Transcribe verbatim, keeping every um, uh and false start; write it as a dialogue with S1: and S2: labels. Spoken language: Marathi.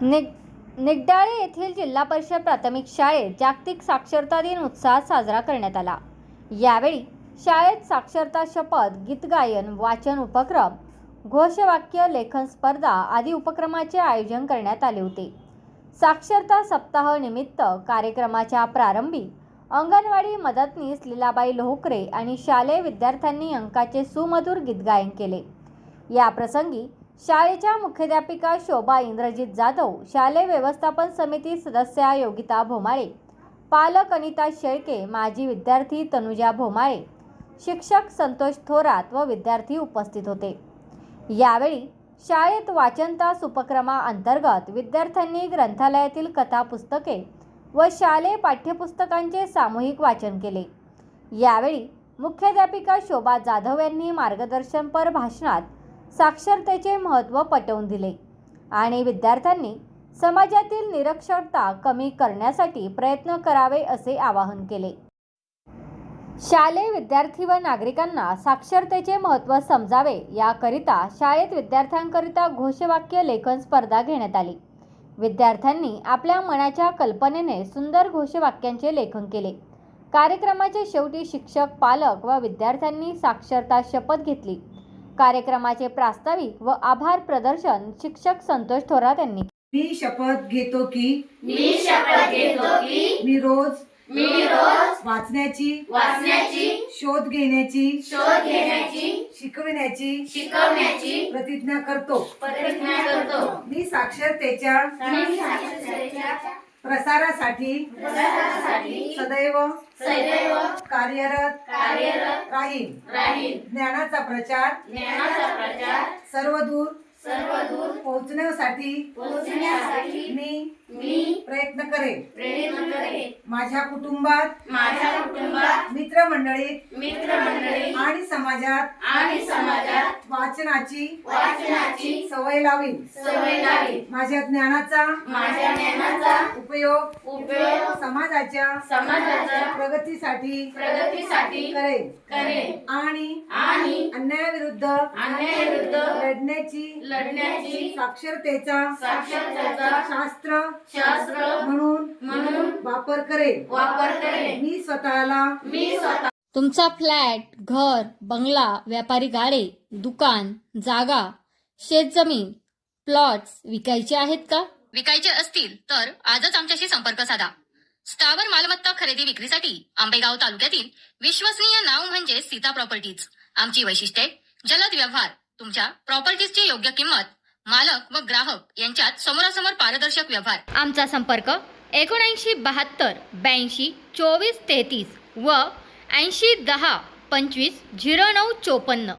S1: निग निगडाळे येथील जिल्हा परिषद प्राथमिक शाळेत जागतिक साक्षरता दिन उत्साहात साजरा करण्यात आला। यावेळी शाळेत साक्षरता शपथ, गीत गायन, वाचन उपक्रम, घोषवाक्य लेखन स्पर्धा आदी उपक्रमाचे आयोजन करण्यात आले होते। साक्षरता सप्ताह निमित्त कार्यक्रमाच्या प्रारंभी अंगणवाडी मदतनीस लीलाबाई लोहकरे आणि शालेय विद्यार्थ्यांनी अंकाचे सुमधुर गीत गायन केले। या प्रसंगी शाळेच्या मुख्याध्यापिका शोभा इंद्रजित जाधव, शालेय व्यवस्थापन समिती सदस्या योगिता भोमाळे, पालक अनिता शेळके, माजी विद्यार्थी तनुजा भोमाळे, शिक्षक संतोष थोरात व विद्यार्थी उपस्थित होते। यावेळी शाळेत वाचन तास उपक्रमाअंतर्गत विद्यार्थ्यांनी ग्रंथालयातील कथा पुस्तके व शालेय पाठ्यपुस्तकांचे सामूहिक वाचन केले। यावेळी मुख्याध्यापिका शोभा जाधव यांनी मार्गदर्शनपर भाषणात साक्षरतेचे महत्त्व पटवून दिले आणि विद्यार्थ्यांनी समाजातील निरक्षरता कमी करण्यासाठी प्रयत्न करावे असे आवाहन केले। शालेय विद्यार्थी व नागरिकांना साक्षरतेचे महत्त्व समजावे याकरिता शाळेत विद्यार्थ्यांकरिता घोषवाक्य लेखन स्पर्धा घेण्यात आली। विद्यार्थ्यांनी आपल्या मनाच्या कल्पनेने सुंदर घोषवाक्यांचे लेखन केले। कार्यक्रमाच्या शेवटी शिक्षक, पालक व विद्यार्थ्यांनी साक्षरता शपथ घेतली। कार्यक्रमाचे प्रास्ताविक व आभार प्रदर्शन शिक्षक संतोष थोरात यांनी
S2: मी शपथ घेतो की
S3: मी शपथ घेतो की
S2: मी रोज
S3: मी रोज
S2: वाचण्याची
S3: वाचण्याची
S2: शोध घेण्याची
S3: शोध घेण्याची
S2: शिकविण्याची
S3: शिकवण्याची
S2: प्रतिज्ञा करतो।
S3: प्रतिज्ञा करतो।
S2: मी साक्षरतेच्या
S3: मी साक्षरतेच्या
S2: प्रसारासाठी
S3: प्रसारासाठी
S2: सदैव
S3: सदैव
S2: कार्यरत
S3: कार्यरत
S2: राहीन।
S3: राहील।
S2: ज्ञानाचा प्रचार
S3: ज्ञानाचा प्रचार
S2: सर्वदूर
S3: सर्वदूर
S2: पोहोचण्यासाठी
S3: पोहोचण्यासाठी
S2: मी
S3: मी
S2: प्रयत्न करेन।
S3: प्रयत्न करेन।
S2: माझ्या कुटुंबात,
S3: माझ्या कुटुंबात,
S2: मित्रमंडळीत
S3: मित्रमंडळी
S2: आणि समाजात
S3: आणि समाजात
S2: वाचनाची
S3: वाचनाची
S2: सवय लावीन।
S3: सवय लावीन।
S2: माझ्या ज्ञानाचा
S3: माझ्या ज्ञानाचा
S2: उपयोग
S3: उपयोग
S2: समाजाच्या
S3: समाजाच्या
S2: प्रगतीसाठी
S3: प्रगतीसाठी
S2: करेन
S3: करेन
S2: आणि
S3: आणि
S2: अन्यायाविरुद्ध
S3: अन्यायाविरुद्ध
S2: लढण्याची
S3: लढण्याची
S2: साक्षरतेचा
S3: साक्षरतेचा
S2: शास्त्र
S3: शास्त्र
S2: म्हणून
S3: म्हणून
S2: वापर करेन।
S3: वापर करेन।
S2: मी स्वतःला
S3: मी स्वतः
S1: तुमचा फ्लॅट, घर, बंगला, व्यापारी गाडे, दुकान, जागा, शेतजमीन, प्लॉट्स विकायचे आहेत का?
S4: विकायचे असतील तर आजच आमच्याशी संपर्क साधा। स्थावर मालमत्ता खरेदी विक्रीसाठी आंबेगाव तालुक्यातील विश्वसनीय नाव म्हणजे सीता प्रॉपर्टीज। आमची वैशिष्ट्ये: जलद व्यवहार, तुमच्या प्रॉपर्टीजची योग्य किंमत, मालक व ग्राहक यांच्यात समोरासमोर पारदर्शक व्यवहार। आमचा संपर्क एकोणऐंशी बहात्तर ब्याऐंशी चोवीस तेहतीस व ऐंशी दहा पंचवीस झिरो नऊ चोपन्न।